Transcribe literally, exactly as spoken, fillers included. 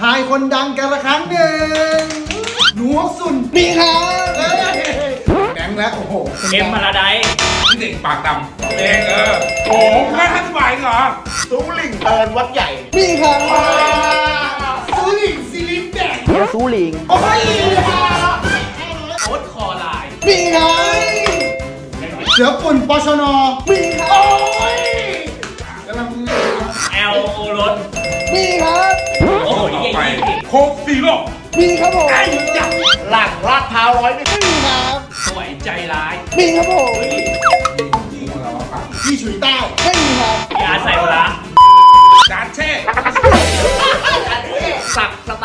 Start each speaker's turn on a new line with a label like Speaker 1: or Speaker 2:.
Speaker 1: ายคนดังกันละครั้งหนึ่งหนูฮกซุนมีครับแบงค์แล้วโอ้โห
Speaker 2: เอ็มพาราไดซ์
Speaker 3: พี่เด็กปากดำเองเออโอ้แค่ห้าสิบบาทเหรอ
Speaker 1: ซูหลิงเอินวัดใหญ่มีครับซูหลิงซิลินแดง
Speaker 4: เดี๋ยวซูลิง
Speaker 1: โอ้ย
Speaker 2: โอ๊ตคอไลน์
Speaker 1: มีครับเสือปุ่นปชนมีครับโอ้ยกำลังมือ
Speaker 2: แอลโอรส
Speaker 1: มีครับ
Speaker 2: โอ้โห
Speaker 3: ต่อ
Speaker 2: ยี่
Speaker 3: ไป
Speaker 2: สิบ
Speaker 3: โคกซีโร่
Speaker 1: มีครับผม
Speaker 3: ไอ้ยักษ์
Speaker 1: หลังลาดพร้าวร้อยไม่มีครับ
Speaker 2: สวยใจร้าย
Speaker 1: มีครับผม
Speaker 2: เฮ้ย
Speaker 1: พี่ฉุยเต้าไม่มีครับ
Speaker 2: ยาใส่ปลา
Speaker 3: จานเช่
Speaker 1: สักส